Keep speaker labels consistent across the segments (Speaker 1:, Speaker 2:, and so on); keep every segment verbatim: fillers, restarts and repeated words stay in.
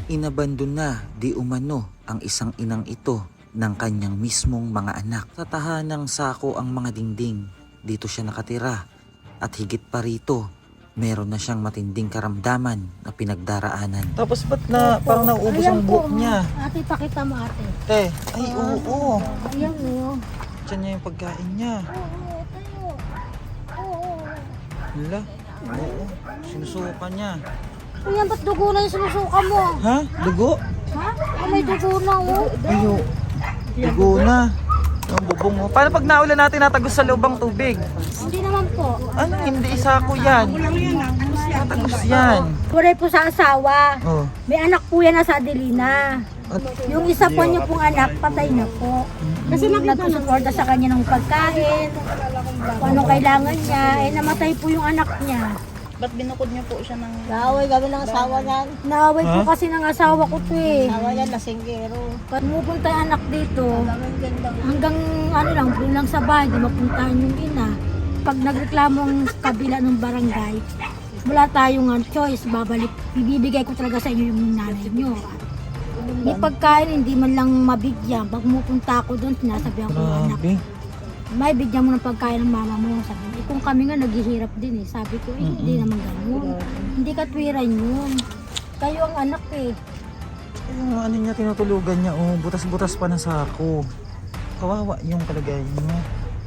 Speaker 1: Inabandon na di umano ang isang inang ito ng kanyang mismong mga anak. Sa tahanang sako ang mga dingding. Dito siya nakatira. At higit pa rito, meron na siyang matinding karamdaman na pinagdaraanan. Tapos ba't na parang nauubos ang buhok niya?
Speaker 2: Ate, pakita mo ate.
Speaker 1: Te, ay oo, oo.
Speaker 2: Ayan o.
Speaker 1: Diyan niya yung pagkain niya.
Speaker 2: Oo, tayo. Oo.
Speaker 1: Hala, oo. Sinusukan niya.
Speaker 2: Kuya, ba't dugo na yung sinusuka mo?
Speaker 1: Ha? Dugo?
Speaker 2: Ha? Ah, may dugo na o.
Speaker 1: Ayo. Dugo na. Yung bubong mo. Paano pag naulan natin natagos sa loob ang tubig?
Speaker 2: Hindi naman po.
Speaker 1: Ano? Hindi isa ko yan. Natagos yan.
Speaker 2: Puray po sa asawa.
Speaker 1: Oh.
Speaker 2: May anak po yan na sa Adelina.
Speaker 1: At,
Speaker 2: Yung isa po niyo pong anak, patay na po. Kasi nagsusuporta sa kanya ng pagkain, kung anong kailangan niya, eh namatay po yung anak niya.
Speaker 3: Ba't binukod niyo po siya ng...
Speaker 4: Naaway kami ng asawa niyan.
Speaker 2: Naaway po
Speaker 1: Ha?
Speaker 2: kasi ng asawa ko to eh.
Speaker 4: Asawa niyan, lasinggero.
Speaker 2: Pumupunta yung anak dito, hanggang ano lang, doon lang sa bahay, di mapuntahan yung ina. Pag nagreklamo ang kabila ng barangay, wala tayong uh, choice, babalik, ibibigay ko talaga sa inyo yung nanay nyo. May pagkain, hindi man lang mabigyan. Pag pumupunta ako doon, sinasabihan ko yung anak,
Speaker 1: grabe.
Speaker 2: may bigyan mo ng pagkain ng mama mo. Sabi ko, eh, kung kami nga naghihirap din eh. Sabi ko, eh, hindi naman ganun. Hindi katwiran yun. Kayo ang anak eh.
Speaker 1: Yung ano niya, tinutulugan niya. Oh, butas-butas pa na sako. Kawawa yung kalagayan niya.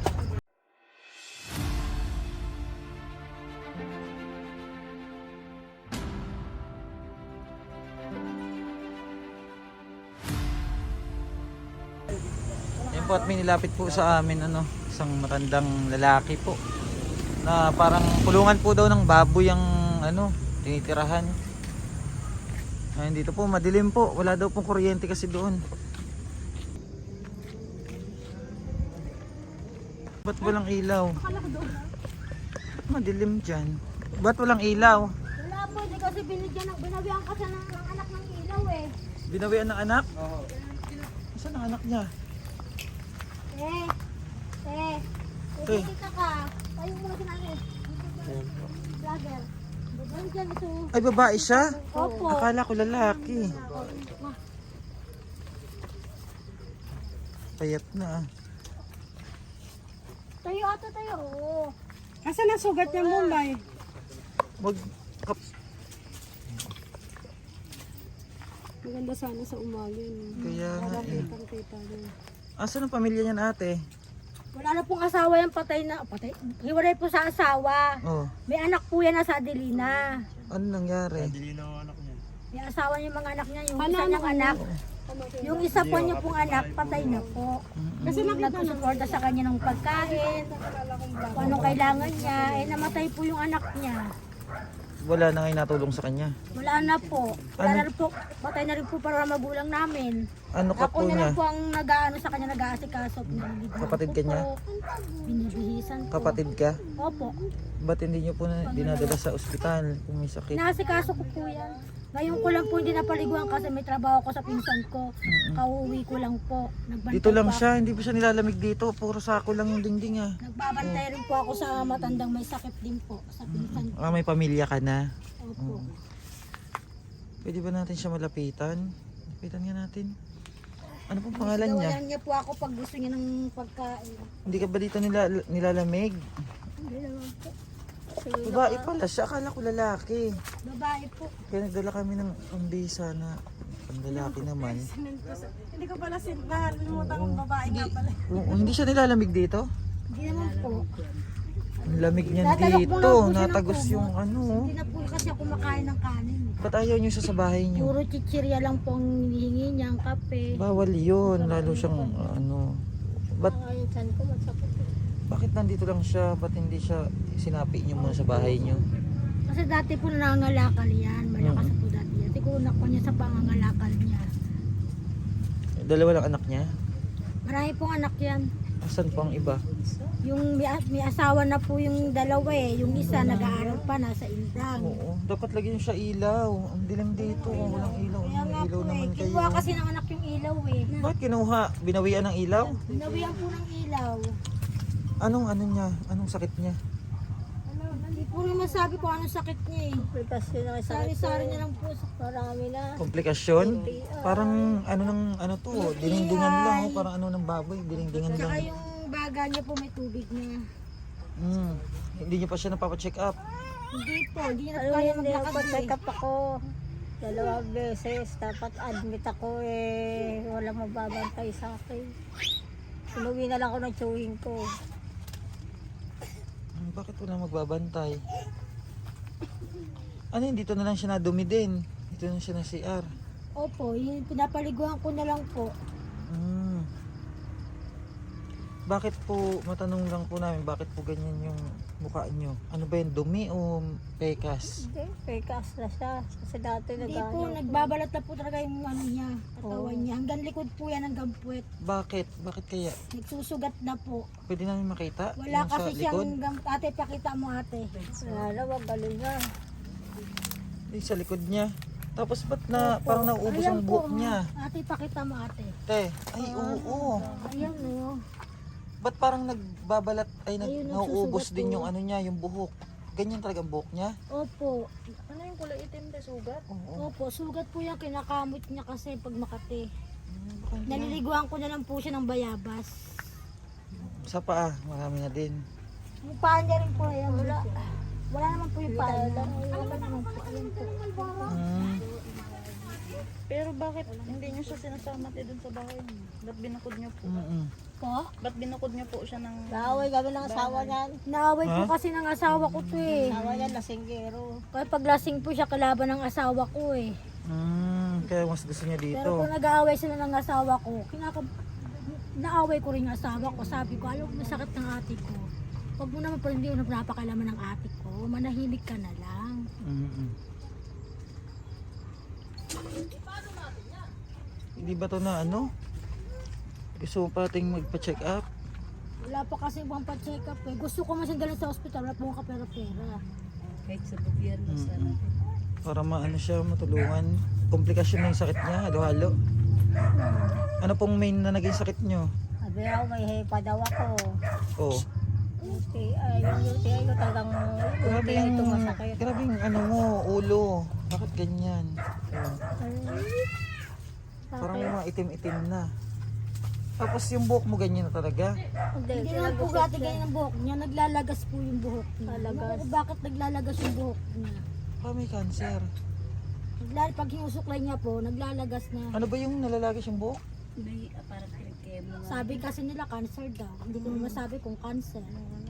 Speaker 1: Yan po at may nilapit po sa amin ano, isang matandang lalaki po na parang kulungan po daw ng baboy ang ano, tinitirahan. Ayun, dito po madilim po, wala daw pong kuryente kasi doon. Ba't walang ilaw? Ba't madilim dyan? Ba't walang ilaw?
Speaker 2: Wala po, hindi kasi binigyan ng, binawian kasi ng, ng anak ng ilaw eh.
Speaker 1: Binawian ng anak? Oo. Saan ang anak niya?
Speaker 2: Eh, eh,
Speaker 1: Eh.
Speaker 2: kita ka. Tayo muna si nanay. Vlogger. Bubay dyan ito.
Speaker 1: Ay, babae siya?
Speaker 2: Opo.
Speaker 1: Akala ko lalaki. Payat na ah.
Speaker 2: Tayo ato tayo. Oo.
Speaker 4: Kasi nasugat niya Mumbai.
Speaker 1: Wag kap
Speaker 4: Maganda sana sa umaga yun.
Speaker 1: kaya nga eh.
Speaker 4: Kita niya.
Speaker 1: Asan ang pamilya niyan ate?
Speaker 2: Wala na pong asawa yan, patay na. Patay. Hiwalay po sa asawa.
Speaker 1: Oh,
Speaker 2: May anak po yan na sa Adelina.
Speaker 1: ano nangyari?
Speaker 2: May asawa niya mga anak niya. Yung isa niyang anak. Yung isa po niyo pong anak, patay na po. Kasi nagsusuporta sa kanya ng pagkain, kung anong kailangan niya, eh namatay po yung anak niya.
Speaker 1: Wala na ngayon natulong sa kanya.
Speaker 2: Wala na po. Wala
Speaker 1: Ano?
Speaker 2: na rin po. Patay na rin po para magulang namin.
Speaker 1: Ano ka
Speaker 2: Ako
Speaker 1: po
Speaker 2: na
Speaker 1: niya?
Speaker 2: lang po ang nag-aano sa kanya, nag-aasikaso.
Speaker 1: Kapatid ka niya?
Speaker 2: Binibihisan po.
Speaker 1: Kapatid ka?
Speaker 2: Opo.
Speaker 1: Ba't hindi niyo po na dinadala sa ospital kung may sakit?
Speaker 2: Inaasikaso ko po yan. Ngayon ko lang po hindi napaliguan kasi may trabaho ko sa pinsan ko. Kauwi ko lang po. Nagbantay
Speaker 1: Dito lang
Speaker 2: po
Speaker 1: siya, hindi po siya nilalamig dito. Puro sako lang yung dingding ah.
Speaker 2: ako. Nagbabantay rin po ako sa matandang may sakit din po. Sa pinsan ko.
Speaker 1: Ah, may pamilya ka na.
Speaker 2: Opo.
Speaker 1: Pwede ba natin siya malapitan? Lapitan nga natin. Ano pong pangalan niya?
Speaker 2: Gawalan niya po ako pag gusto niya ng pagkain.
Speaker 1: Hindi ka ba dito nila, nilalamig?
Speaker 2: Hindi naman po.
Speaker 1: Babae pala siya, akala ko lalaki.
Speaker 2: Babae po.
Speaker 1: Kaya nagdala kami ng pambisa na panglalaki naman.
Speaker 4: Hindi ko pala sin nakalimutan kong babae nga pala.
Speaker 1: Oo, hindi siya nilalamig dito?
Speaker 2: Hindi naman po.
Speaker 1: Ang lamig niyan
Speaker 2: Tatalok mo
Speaker 1: dito.
Speaker 2: lang po siya ng
Speaker 1: Natagos
Speaker 2: kumot.
Speaker 1: yung ano.
Speaker 2: Hindi na po kasi ako makain ng kanin.
Speaker 1: Ba't ayaw niyo siya sa bahay niyo?
Speaker 2: Puro chichirya lang po ang hinihingi niya, ang kape.
Speaker 1: Bawal yun. Lalo siyang ano. Ba't,
Speaker 2: Ay, saan ko magsapot.
Speaker 1: bakit nandito lang siya? Ba't hindi siya sinapi niyo muna sa bahay niyo?
Speaker 2: Kasi dati po nangangalakal yan. Malakas po dati yan. Tikunak ko niya sa pangangalakal niya.
Speaker 1: Dalawa lang anak niya?
Speaker 2: Marami pong anak yan.
Speaker 1: Asan po ang iba?
Speaker 2: Yung may, may asawa na po yung dalawa eh. Yung isa nag-aaral pa, nasa Indang.
Speaker 1: Oo. Dapat lagyan niyo siya ilaw. Ang dilim dito. Walang ilaw.
Speaker 2: Kaya
Speaker 1: Ang
Speaker 2: nga
Speaker 1: ilaw
Speaker 2: po eh.
Speaker 1: naman kayo.
Speaker 2: Kinuha kasi ng anak yung ilaw eh.
Speaker 1: Bakit kinuha? Binawian ng ilaw?
Speaker 2: Binawian po ng ilaw.
Speaker 1: Anong ano niya? Anong sakit niya?
Speaker 2: Ano, nandito po rin masabi kung ano sakit niya eh.
Speaker 4: Komplikasyon na sa
Speaker 2: Sari-sari niya lang po sa
Speaker 4: marami na.
Speaker 1: Komplikasyon? Parang ano ng ano to, dinindingan lang oh, parang ano ng baboy, dinindingan
Speaker 2: Tsaka
Speaker 1: lang.
Speaker 2: yung baga niya po may tubig na.
Speaker 1: Mm. Hindi niyo pa siya napapa-check up.
Speaker 2: Hindi po, hindi niya na
Speaker 4: Ano
Speaker 2: kaya
Speaker 4: hindi
Speaker 2: maglakad
Speaker 4: ako check
Speaker 2: eh.
Speaker 4: up ako. Dalawang beses. Dapat admit ako eh. Walang mababantay sa akin. Inuwi na lang ako ng chewing ko.
Speaker 1: Hmm, bakit wala magbabantay? Ano yun, dito na lang siya nadumi din. Dito na siya na C R.
Speaker 2: Opo, yung pinapaliguan ko na lang po.
Speaker 1: Hmm. Bakit po, matanong lang po namin, bakit po ganyan yung mukha nyo? Ano ba yun, dumi o pekas?
Speaker 4: Hindi, pekas na siya. Kasi dati
Speaker 2: Hindi
Speaker 4: nag-ano
Speaker 2: po,
Speaker 4: ako.
Speaker 2: nagbabalat na po talaga yung ano niya, katawan
Speaker 4: Oo.
Speaker 2: niya. Hanggang likod po yan hanggang puwet.
Speaker 1: Bakit? Bakit kaya?
Speaker 2: Nagsusugat na po.
Speaker 1: Pwede namin makita?
Speaker 2: Wala
Speaker 1: Yung
Speaker 2: kasi
Speaker 1: sa
Speaker 2: siyang
Speaker 1: likod?
Speaker 2: hanggang, ate, pakita mo ate.
Speaker 4: Wala na, magaling na.
Speaker 1: Yung sa likod niya. Tapos ba't na, parang nauubos
Speaker 2: Ayan
Speaker 1: ang
Speaker 2: po,
Speaker 1: buhok niya?
Speaker 2: Ate, pakita mo ate.
Speaker 1: Te, ay oo.
Speaker 2: Ayan o.
Speaker 1: Ba't parang nagbabalat, ay nag,
Speaker 2: Ayun,
Speaker 1: nauubos
Speaker 2: nagsusugat
Speaker 1: din
Speaker 2: po.
Speaker 1: yung ano niya, yung buhok. Ganyan talaga ang buhok niya?
Speaker 2: Opo.
Speaker 3: Ano yung kulay itim na sugat?
Speaker 1: Oo.
Speaker 2: Opo, sugat po yan, kinakamot niya kasi pag makati.
Speaker 1: Hmm, baka hindi na.
Speaker 2: Naliliguan ko na lang po siya ng bayabas.
Speaker 1: Sa paa, marami na din.
Speaker 2: Yung paa niya rin po, ayan. Wala. Wala naman po yung paa niya. Wala naman po. Ayan po.
Speaker 1: Hmm.
Speaker 3: Pero bakit hindi niyo siya sinasama tayo dun sa bahay niyo? Ba't binukod niyo po?
Speaker 1: Mm-mm.
Speaker 2: Po?
Speaker 3: Ba't binukod niyo po siya ng...
Speaker 4: Naaway kami ng asawa niyan.
Speaker 2: Naaway po
Speaker 1: Ha?
Speaker 2: kasi ng asawa ko to eh.
Speaker 4: Asawa niyan, lasinggero.
Speaker 2: Kaya paglasing po siya kalaban ng asawa ko eh.
Speaker 1: Hmm, kaya mas gusto niya
Speaker 2: Pero
Speaker 1: dito.
Speaker 2: kung nag-aaway sila ng asawa ko, kinaka... naaway ko rin yung asawa ko. Sabi ko, alam mo sakit ng ate ko. Huwag mo naman pa hindi mo napakalaman ng ate ko. Manahimik ka na lang.
Speaker 1: Mm-mm. Hindi ba to na ano? Gusto mo pating magpa-check up?
Speaker 2: Wala pa kasi ibang pa-check up eh. Gusto ko masang dalhin sa ospital, wala po akong kapera-pera.
Speaker 3: Kahit sa gobyerno
Speaker 1: Mm-mm. Para maano siya, matulungan. Komplikasyon na yung sakit niya, halo-halo. Ano pong main na naging sakit nyo?
Speaker 4: Sabi ako, may hepa daw ako.
Speaker 1: Oh,
Speaker 4: U T I, yung U T I ko talagang U
Speaker 1: grabe
Speaker 4: T I
Speaker 1: yung,
Speaker 4: ito masakit.
Speaker 1: grabe yung ano mo, ulo. Bakit ganyan? Oh. Parang may mga itim-itim na. Tapos yung buhok mo ganyan na talaga.
Speaker 4: Hindi,
Speaker 2: Hindi naman po gati ganyan ang buhok niya. Naglalagas po yung buhok niya.
Speaker 4: Lalagas.
Speaker 2: Ewan ko bakit naglalagas yung buhok niya.
Speaker 1: Parang may cancer.
Speaker 2: Naglal pag hinusuklay niya po, naglalagas na.
Speaker 1: Ano ba yung nalalagay yung buhok?
Speaker 3: May aparat pinag-chemo nga.
Speaker 2: Sabi kasi nila cancer daw. Hindi ko naman masabi kung cancer.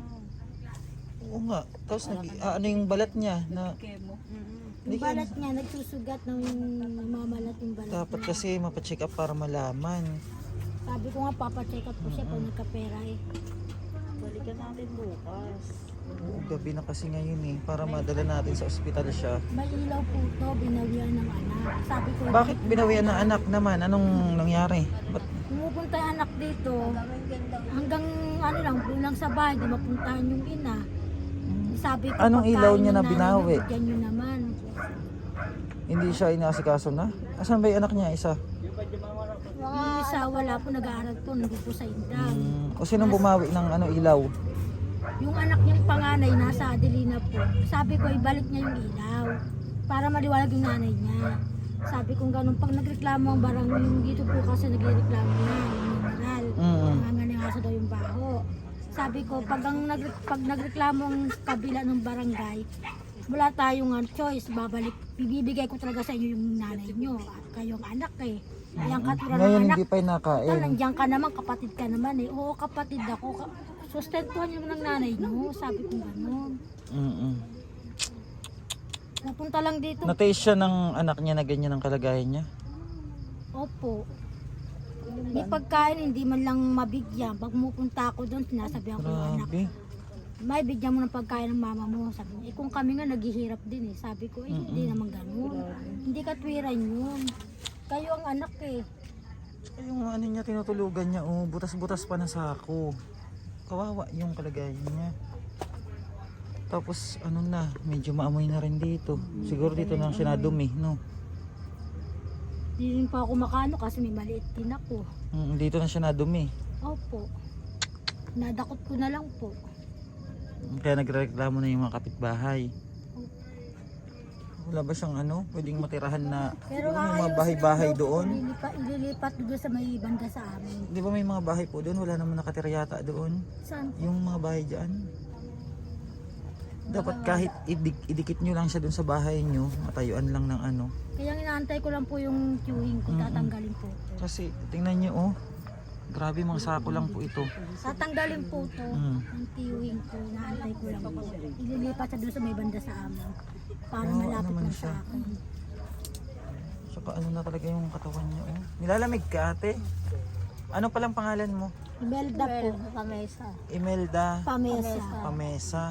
Speaker 1: Oo nga. Tapos nag, ah, ano yung balat niya na
Speaker 3: Chemo.
Speaker 1: Hindi
Speaker 2: Yung
Speaker 1: ka-
Speaker 2: balat niya, nagsusugat ng mamalat yung balat
Speaker 1: dapat
Speaker 2: niya.
Speaker 1: kasi mapacheck up para malaman.
Speaker 2: Sabi ko nga, papacheck up ko siya pag nagkapera eh.
Speaker 3: Balikan natin bukas.
Speaker 1: Oo, gabi na kasi ngayon eh. Para madala natin sa ospital siya.
Speaker 2: May ilaw po to, binawian ng anak. Sabi ko,
Speaker 1: Bakit binawian ng anak naman? Anong nangyari? Ba't
Speaker 2: pumupunta yung anak dito, hanggang ano lang, doon lang sa bahay, di mapuntahan yung ina. Sabi ko,
Speaker 1: Anong
Speaker 2: pagkain
Speaker 1: ilaw niya
Speaker 2: ng
Speaker 1: na
Speaker 2: nanay
Speaker 1: binawi?
Speaker 2: niyo, bigyan niyo naman.
Speaker 1: hindi siya inaasikaso na? Asan ba yung anak niya? Isa?
Speaker 2: Yung isa, wala po, nag-aaral po, nandito po sa Indang.
Speaker 1: Hmm. O sinong bumawi ng ano ilaw?
Speaker 2: Yung anak niyang panganay, nasa Adelina po. Sabi ko, ibalik niya yung ilaw para maliwalag yung nanay niya. Sabi ko ganun, pag nagreklamo ang barang yung dito po kasi nagreklamo na, yung mineral.
Speaker 1: Mm.
Speaker 2: Nangangangaso daw yung baho. Sabi ko, pag, ang nagre pag nagreklamo ang kabila ng barangay, wala tayong uh, choice, babalik, bibigay ko talaga sa inyo yung nanay nyo at kayong anak eh. Yung katulad ng
Speaker 1: Ngayon
Speaker 2: anak,
Speaker 1: hindi pa yung
Speaker 2: Tal,
Speaker 1: nakain.
Speaker 2: nandiyan ka naman, kapatid ka naman eh. Oo, kapatid ako. Ka- Sustentuhan niyo naman ng nanay niyo. Sabi ko gano'n.
Speaker 1: Mm-mm.
Speaker 2: Napunta lang dito.
Speaker 1: Na-taste siya ng anak niya na ganyan ang kalagayan niya?
Speaker 2: Opo. May pagkain, hindi man lang mabigyan. Pag mupunta ako doon, sinasabihan ko yung anak,
Speaker 1: Grabe.
Speaker 2: may bigyan mo ng pagkain ng mama mo. Sabi niya, eh kung kami nga naghihirap din eh. Sabi ko, eh hindi naman gano'n. Hindi katwiran yun. Kayo ang anak eh.
Speaker 1: Yung ano niya, tinutulugan niya, oh, butas-butas pa na sako. Kawawa yung kalagayan niya. Tapos ano na, medyo maamoy na rin dito. Siguro dito na siya nadumi, no?
Speaker 2: Hindi rin pa ako makano kasi may maliit din ako.
Speaker 1: Mm, dito na siya nadumi.
Speaker 2: Opo. Nadakot ko na lang po.
Speaker 1: Kaya nagrereklamo na yung mga kapitbahay. Wala ba siyang ano, pwedeng matirahan na
Speaker 2: Pero
Speaker 1: yung mga
Speaker 2: aayusin
Speaker 1: bahay-bahay
Speaker 2: daw po,
Speaker 1: doon?
Speaker 2: Ililipat, ililipat doon sa may banda sa amin.
Speaker 1: Di ba may mga bahay po doon? Wala naman nakatira yata doon.
Speaker 2: Saan?
Speaker 1: Yung mga bahay dyan. Dapat kahit idik- idikit nyo lang siya doon sa bahay nyo, matayuan lang ng ano.
Speaker 2: Kaya inaantay ko lang po yung queuing ko,
Speaker 1: Mm-mm.
Speaker 2: tatanggalin po.
Speaker 1: Kasi tingnan nyo oh, grabe mga sako lang po ito.
Speaker 2: Tatanggalin po to,
Speaker 1: Mm.
Speaker 2: ang queuing ko, inaantay ko lang po. Ililipat siya doon sa may banda sa amin. Para
Speaker 1: Oo,
Speaker 2: malapit
Speaker 1: naman
Speaker 2: lang
Speaker 1: siya.
Speaker 2: sa akin.
Speaker 1: Saka ano na talaga yung katawan niya oh. Nilalamig ka ate? Ano palang pangalan mo?
Speaker 2: Imelda po.
Speaker 4: Well, pamesa.
Speaker 1: Imelda
Speaker 2: Pamesa.
Speaker 1: Pamesa.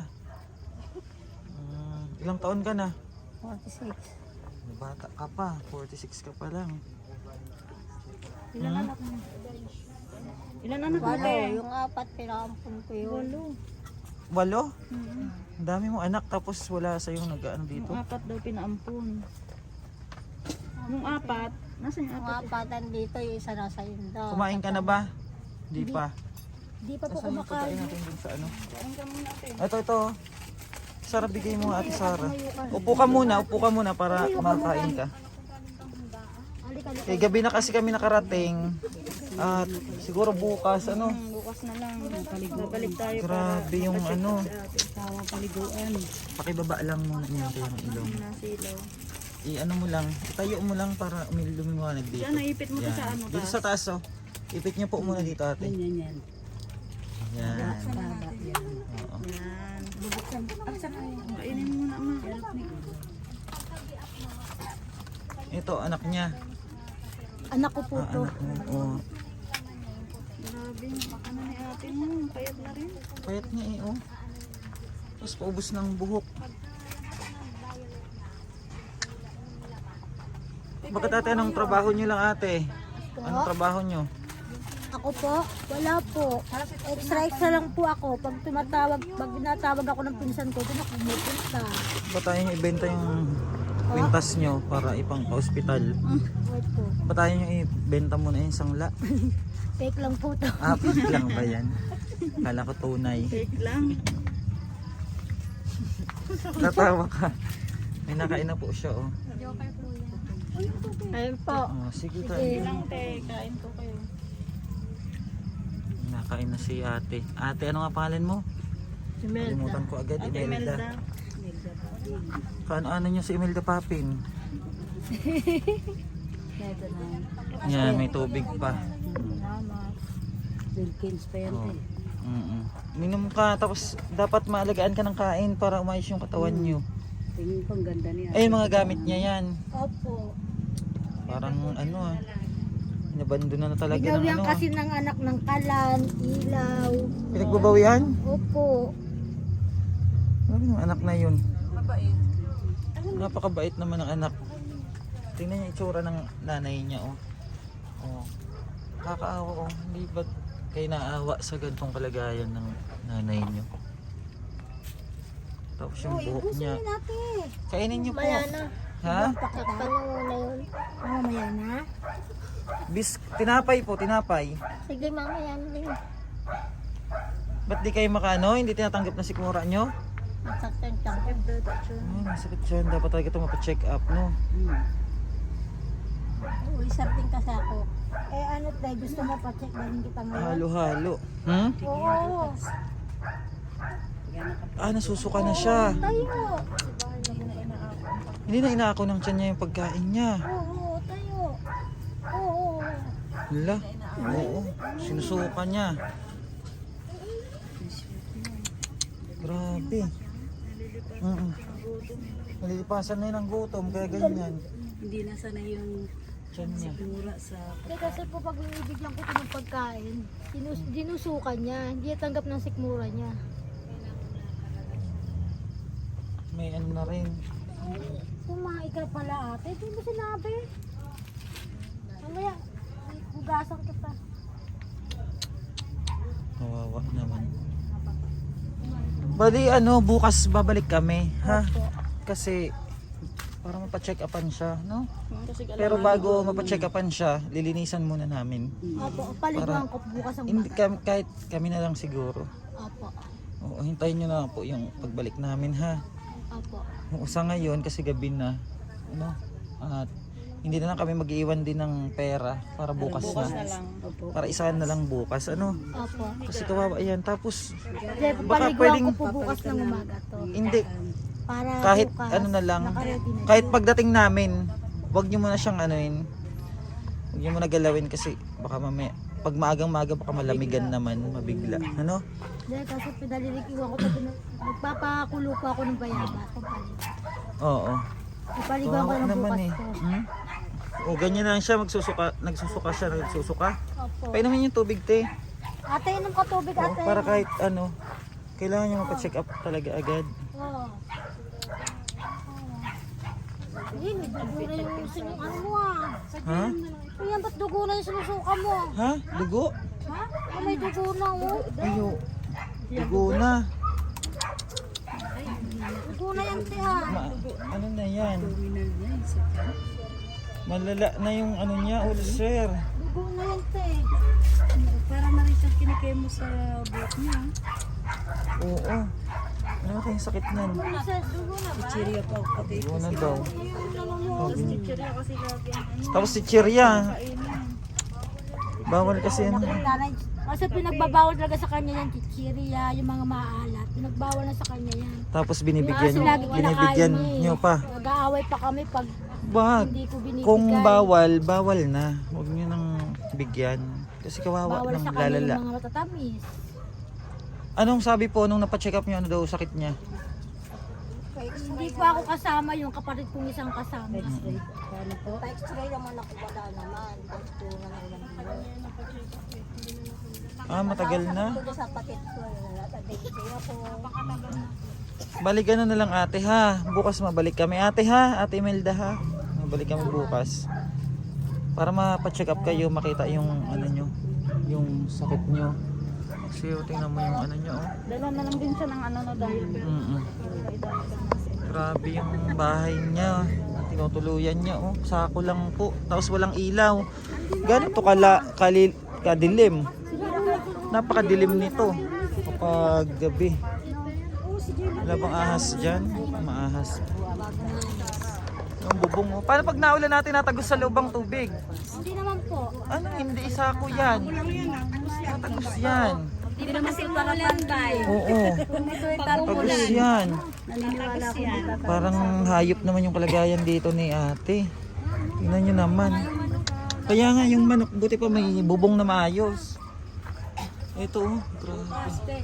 Speaker 1: Mm, ilang taon ka na?
Speaker 4: forty-six.
Speaker 1: Bata ka pa, forty-six ka pa lang.
Speaker 3: Ilan
Speaker 1: Hmm?
Speaker 3: anak mo? Ilan anak mo?
Speaker 4: Walo,
Speaker 3: te?
Speaker 4: yung apat pinakampun ko yun.
Speaker 3: Walo.
Speaker 1: Walo? Ang dami mong anak tapos wala sa yung nag-ano dito.
Speaker 3: Yung apat daw pinaampun. Yung apat, nasan yung
Speaker 4: Yung
Speaker 3: apat?
Speaker 4: apatan dito, yung isa nasa inda.
Speaker 1: Kumain ka na ba? Di pa.
Speaker 2: Di pa po
Speaker 1: Nasaan yung pagkain
Speaker 2: kumakain.
Speaker 1: natin dun sa ano?
Speaker 3: Kain ka muna ate.
Speaker 1: Ito, ito. Sara, bigay mo nga ate Sara. Upo ka muna, upo ka muna para makakain ka.
Speaker 2: Halika, halika.
Speaker 1: Eh, gabi na kasi kami nakarating. At siguro bukas, ano?
Speaker 3: Hmm, bukas na lang. Babalik tayo
Speaker 1: Grabe yung ano.
Speaker 3: Tawa paliguan.
Speaker 1: Pakibaba lang muna niya yung ilong.
Speaker 3: Nasilaw.
Speaker 1: I-ano mo lang, itayo mo lang para umilumiwanag dito.
Speaker 3: Diyan, naipit mo to sa ano
Speaker 1: Dito
Speaker 3: taas.
Speaker 1: sa taas, oh. Ipit niyo po muna dito ate.
Speaker 3: Yan, yan.
Speaker 1: Yan. Oo.
Speaker 3: Yan. Bubuksan. Aksan na yun. Kainin mo na, ma.
Speaker 1: Ito, anak niya.
Speaker 2: Anak ko po
Speaker 1: Ah,
Speaker 2: to.
Speaker 1: anak mo. Oh.
Speaker 3: Grabe, baka na ni ate mo. Payat na rin.
Speaker 1: Payat niya eh, oh. Tapos paubos ng buhok. Bakit ate, anong trabaho niyo lang ate? Anong trabaho niyo?
Speaker 2: Ako po, wala po. Extra extra lang po ako. Pag tumatawag, pag tinatawag ako ng pinsan ko, doon ako pumupunta.
Speaker 1: Ba tayo niyo ibenta yung kwintas niyo para ipang pa-hospital?
Speaker 2: Opo.
Speaker 1: Ba tayo niyo ibenta muna yung sangla?
Speaker 2: Fake lang po to.
Speaker 1: Ah, fake lang ba yan? Kala ko tunay.
Speaker 3: Fake lang.
Speaker 1: Natawa ka. May nakain na po siya, oh.
Speaker 2: Joker po yan.
Speaker 4: Ayun po.
Speaker 1: Oh, sige ka.
Speaker 3: Sige lang, te. Kain ko kayo.
Speaker 1: Nakain na si ate. Ate, ano nga pangalan mo? Kalimutan ko agad,
Speaker 3: Ate
Speaker 1: Imelda.
Speaker 3: Imelda.
Speaker 1: Kaano-ano niyo si Imelda Papin? Yan, may tubig pa.
Speaker 3: Wilkins pa yan,
Speaker 1: Oh. Mm-mm. Minom ka, tapos dapat maalagaan ka ng kain para umayos yung katawan niyo.
Speaker 3: Tingin ko ang ganda niya.
Speaker 1: Ay, mga gamit niya yan.
Speaker 2: Opo.
Speaker 1: Parang ano ah. Inabandona na talaga ng
Speaker 2: Binawian
Speaker 1: ano.
Speaker 2: kasi ng anak ng kalan, ilaw.
Speaker 1: Pinagbabawian?
Speaker 2: Opo.
Speaker 1: Ano yung anak na yun? Napakabait naman ng anak. Tingnan niya itsura ng nanay niya, oh. Oh. Kakaawa, oh. Hindi ba kayo naawa sa gantong kalagayan ng nanay niyo? Tapos yung buhok niya.
Speaker 2: natin.
Speaker 1: Kainin niyo po.
Speaker 4: Maya na.
Speaker 1: Ha?
Speaker 4: Takpan mo muna yun.
Speaker 2: Mamaya na.
Speaker 1: Bis, tinapay po, tinapay.
Speaker 4: Sige, mamaya na rin.
Speaker 1: Ba't di kayo makano? Hindi tinatanggap na sikmura nyo?
Speaker 4: Masaktan siya.
Speaker 1: Ay, masakit siya. Dapat talaga ito mapacheck up, no?
Speaker 4: Uy, sarting kasi ako.
Speaker 2: Eh ano tayo, gusto mo pa-check na rin kita ngayon?
Speaker 1: Halo-halo. Hmm?
Speaker 2: Oo.
Speaker 1: Ah, nasusuka na siya.
Speaker 2: Tayo.
Speaker 1: Hindi na inaako ng tiyan niya yung pagkain niya.
Speaker 2: Oo, tayo. Oo.
Speaker 1: Hala. Oo. Sinusuka niya. Grabe. Mm-mm. Nalilipasan na yun ang gutom, kaya ganyan.
Speaker 3: Hindi na sana yung
Speaker 1: Tiyan niya.
Speaker 3: mura sa...
Speaker 2: Eh, kasi po pag binibigyan ko ito ng pagkain, sinus dinusukan niya, hindi niya tanggap ng sikmura niya.
Speaker 1: May ano na rin.
Speaker 2: Kumain ka pala ate, hindi mo sinabi. Mamaya, hugasan kita.
Speaker 1: Kawawa naman. Bali ano, bukas babalik kami, ha? Kasi para mapacheck upan siya, no?
Speaker 3: Kasi
Speaker 1: Pero bago mapacheck upan siya, lilinisan muna namin.
Speaker 2: Opo, paliguan ko bukas ang
Speaker 1: Hindi
Speaker 2: bata.
Speaker 1: kam- kahit kami na lang siguro.
Speaker 2: Opo.
Speaker 1: Oo, hintayin nyo na po yung pagbalik namin ha.
Speaker 2: Opo.
Speaker 1: Oo, sa ngayon kasi gabi na. Ano? At hindi na lang kami mag-iwan din ng pera para bukas
Speaker 3: Bukas
Speaker 1: na.
Speaker 3: na lang.
Speaker 1: Para isahan na lang bukas. Ano?
Speaker 2: Opo.
Speaker 1: Kasi kawawa yan. Tapos
Speaker 2: Hindi,
Speaker 1: Baka
Speaker 2: paliguan
Speaker 1: pwedeng-
Speaker 2: ko po bukas ng umaga to.
Speaker 1: hindi.
Speaker 2: Para
Speaker 1: Kahit
Speaker 2: bukas,
Speaker 1: ano na lang.
Speaker 2: nakaready na
Speaker 1: Kahit
Speaker 2: yun.
Speaker 1: pagdating namin, wag nyo muna siyang anuin. Wag nyo muna galawin kasi baka mamaya pag maagang-maga baka malamigan naman, mabigla. Ano?
Speaker 2: Hindi, kasi pinalilikiwan ko to. pina- Magpapakulo po ako ng bayaba. Pampalit.
Speaker 1: Oo.
Speaker 2: Ipaliguan ko
Speaker 1: Kawawa
Speaker 2: ng
Speaker 1: naman
Speaker 2: bukas
Speaker 1: eh.
Speaker 2: to.
Speaker 1: Hmm? O ganyan lang siya, magsusuka, nagsusuka siya, nagsusuka.
Speaker 2: Opo.
Speaker 1: Painumin yung tubig, te.
Speaker 2: Ate, inom ka tubig,
Speaker 1: Oo,
Speaker 2: ate.
Speaker 1: para kahit ano, kailangan niya mapacheck up talaga agad.
Speaker 2: Oo. Hindi, may dugo na yung sinung ano mo ah.
Speaker 1: Ha?
Speaker 2: Ayan, ba't dugo na yung sinusuka mo?
Speaker 1: Ha? Dugo?
Speaker 2: Ha? Oh, may dugo na oh.
Speaker 1: Ayo. Dugo na.
Speaker 2: Dugo na yan, te ah.
Speaker 1: Ma, ano na yan? Malala na yung ano niya, ulcer.
Speaker 2: Dugo na yan, te.
Speaker 3: Para na rin siyang kinikemo sa buhok niya.
Speaker 1: Oo. Ano natin yung sakit nan?
Speaker 2: Isa, dugo na ba?
Speaker 3: Chiria pa pati.
Speaker 1: Dugo na daw.
Speaker 3: Tapos chiria kasi lagi ang ano.
Speaker 1: Tapos si Chiria.
Speaker 3: Kainin.
Speaker 1: Bawal kasi ano.
Speaker 2: Nanay, kasi pinagbabawal talaga sa kanya yan, chichirya, yung mga maalat. Pinagbawal na sa kanya yan.
Speaker 1: Tapos binibigyan,
Speaker 2: Kasi lagi kinakain
Speaker 1: binibigyan
Speaker 2: niya eh.
Speaker 1: niyo pa.
Speaker 2: Nag-aaway pa kami pag
Speaker 1: Wag.
Speaker 2: hindi ko binibigay.
Speaker 1: Kung bawal, bawal na. Huwag niyo nang bigyan. Kasi kawawa
Speaker 2: Bawal
Speaker 1: ng
Speaker 2: sa kanya
Speaker 1: lalala.
Speaker 2: yung mga matatamis.
Speaker 1: Anong sabi po nung napacheck up niyo, ano daw sakit niya?
Speaker 2: Hindi po ako kasama, yung kapatid kong isang kasama.
Speaker 3: Paano po?
Speaker 4: Pa-x-ray naman ako, wala naman. Gusto na lang ilang buwan.
Speaker 1: Ah, matagal na.
Speaker 4: Ito sa patit ko, natadensya ako.
Speaker 1: Balikan na na lang ate ha. Bukas mabalik kami ate ha. Ate Imelda ha. Mabalik kami bukas. Para mapacheck up kayo, makita yung ano nyo, yung sakit nyo. Kasi oh, tingnan mo yung ano nyo. Oh.
Speaker 3: Dala na lang din siya ng ano na dahil.
Speaker 1: Mm-mm. Grabe yung bahay niya. Tinutuluyan niya oh. Sako lang po. Tapos walang ilaw. Ganito kala, kalil, kadilim. Napakadilim nito kapag gabi. Wala bang ahas dyan? Maahas. Yung bubong mo. Paano pag naulan natin natagos sa lubang tubig?
Speaker 2: Hindi naman po.
Speaker 1: Ano? Hindi isa ko yan. Natagos yan.
Speaker 2: Hindi naman si Paralan bay.
Speaker 1: Oo. Tagos yan.
Speaker 4: Naniniwala ako dito.
Speaker 1: Parang hayop naman yung kalagayan dito ni ate. Tingnan nyo naman. Kaya nga yung manok, buti pa may bubong na maayos. Ito oh, grabe.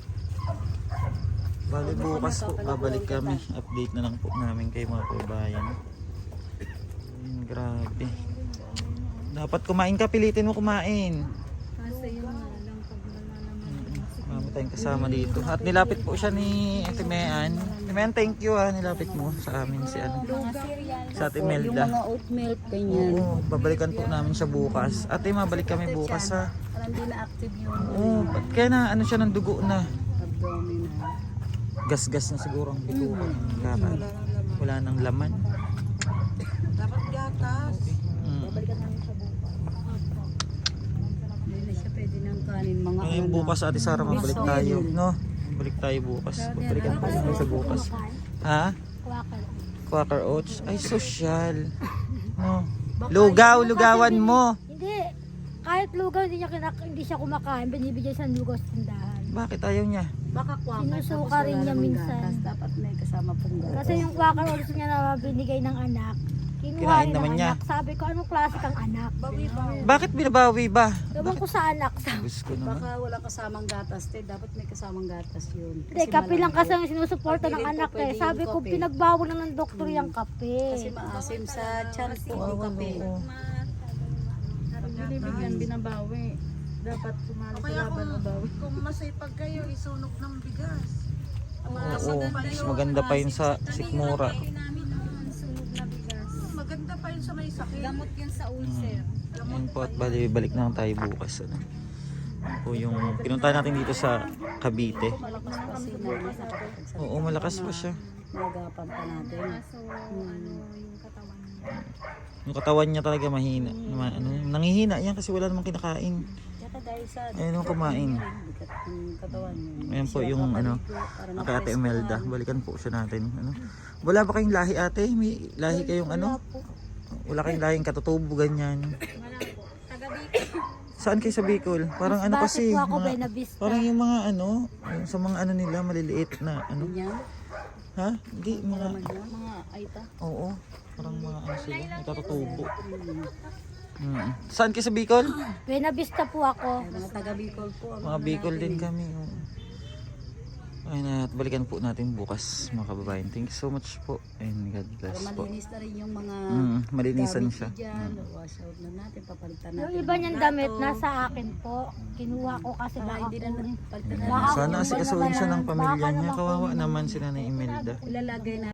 Speaker 1: Bali bukas po, babalik kami. Update na lang po namin kay mga kabayan. Ayun, grabe. Dapat kumain ka, pilitin mo kumain.
Speaker 3: Kasi yun nga lang pag wala naman.
Speaker 1: Marami tayong kasama dito. At nilapit po siya ni Ate Mean. Ate Mean, thank you ha. Nilapit mo sa amin si ano. Sa Ate
Speaker 3: Yung
Speaker 1: Melda.
Speaker 3: mga oat milk, ganyan.
Speaker 1: Oo, babalikan po namin siya bukas. Ate, mabalik kami bukas ha.
Speaker 3: Parang hindi na active yung
Speaker 1: Oo, ba't kaya na ano siya ng dugo na.
Speaker 3: abdominal.
Speaker 1: Gas-gas na siguro ang bituan. Kaka. Wala nang laman.
Speaker 3: Dapat gatas.
Speaker 1: Mm.
Speaker 3: Hindi na siya pwede ng kanin. Mga
Speaker 1: Ngayon
Speaker 3: ano.
Speaker 1: bukas Ate Sara, mabalik tayo. No? Balik tayo bukas. Babalikan po namin sa bukas. Ha?
Speaker 2: Kwakal.
Speaker 1: Quaker Oats. Ay, social. No. Lugaw, lugawan mo.
Speaker 2: Hindi. Kahit lugaw, hindi, niya kinak- hindi siya kumakain. Binibigyan siya ng lugaw sa tindahan.
Speaker 1: Bakit ayaw niya?
Speaker 3: Baka kwakal.
Speaker 2: Sinusuka rin niya minsan.
Speaker 3: Dapat may kasama pong gatas.
Speaker 2: Kasi yung kwakal ulit niya na binigay ng anak, kinuha
Speaker 1: Kinain
Speaker 2: rin ng
Speaker 1: naman niya.
Speaker 2: anak. Sabi ko, anong klase kang anak?
Speaker 1: Bakit binabawi ba?
Speaker 2: Ewan ko sa anak. Sabi.
Speaker 1: Gusto ko naman.
Speaker 3: Baka wala kasamang gatas, te. Dapat may kasamang gatas yun.
Speaker 2: Hindi, kape lang kasi
Speaker 3: malambot.
Speaker 2: ang sinusuporta ng
Speaker 3: Hindi rin
Speaker 2: anak
Speaker 3: po
Speaker 2: eh.
Speaker 3: pwede
Speaker 2: Sabi
Speaker 3: yung
Speaker 2: ko,
Speaker 3: kape.
Speaker 2: pinagbawal na ng doktor yung kape.
Speaker 3: Kasi maasim sa tiyan po yung
Speaker 1: Oo,
Speaker 3: kape.
Speaker 1: oo.
Speaker 3: Binibigyan, binabawi. Dapat sumali sa laban o bawi.
Speaker 5: Kung masipag kayo, isunog ng bigas.
Speaker 1: Oo, mas maganda pa yun sa sikmura.
Speaker 5: Maganda pa yun sa may sakit.
Speaker 3: Gamot yun sa ulcer.
Speaker 1: Ayun po at bali, balik na lang tayo bukas. Ano? Yan po yung pinunta natin dito sa Cavite.
Speaker 3: Malakas pa si Nana sa kapagsabi.
Speaker 1: Oo, malakas pa siya.
Speaker 3: Nagapan pa natin.
Speaker 1: Yung katawan niya talaga mahina. Ma- ano, nangihina yan kasi wala namang kinakain.
Speaker 4: Tsaka dahil sa
Speaker 1: Ayun yung kumain.
Speaker 4: bigat ng katawan.
Speaker 1: Ayan po yung ano, kay Ate Imelda. Balikan po siya natin. Ano? Wala ba kayong lahi ate? May lahi kayong ano? Wala kayong lahing katutubo ganyan. Saan kayo sa Bicol? Parang ano
Speaker 2: Bakit
Speaker 1: kasi,
Speaker 2: po ako
Speaker 1: mga,
Speaker 2: Buena Vista?
Speaker 1: parang yung mga ano, yung sa mga ano nila, maliliit na ano. Ha? Hindi, mga,
Speaker 3: Mga aita.
Speaker 1: oo. Parang mga ano sila, natatutubo. Hmm. Saan kayo sa Bicol?
Speaker 2: Buena Vista po ako.
Speaker 4: Mga taga Bicol po.
Speaker 1: Mga Bicol din kami. Oo. Ayun na, at balikan po natin bukas mga kababayan. Thank you so much po. And God bless po.
Speaker 4: Malinis na rin yung mga
Speaker 1: Mm, malinisan
Speaker 4: gamit
Speaker 1: siya.
Speaker 4: dyan. Wash out na natin, papalitan natin.
Speaker 2: Yung iba niyang damit nasa akin po. Kinuha ko kasi baka
Speaker 4: Hindi na
Speaker 2: kunin.
Speaker 4: palitan na
Speaker 2: Baka
Speaker 1: Sana
Speaker 2: kunin
Speaker 1: asikasuhin siya ng
Speaker 2: baka
Speaker 1: pamilya niya.
Speaker 2: naman
Speaker 1: Kawawa
Speaker 2: kunin.
Speaker 1: naman sila ni Imelda.
Speaker 4: Ilalagay na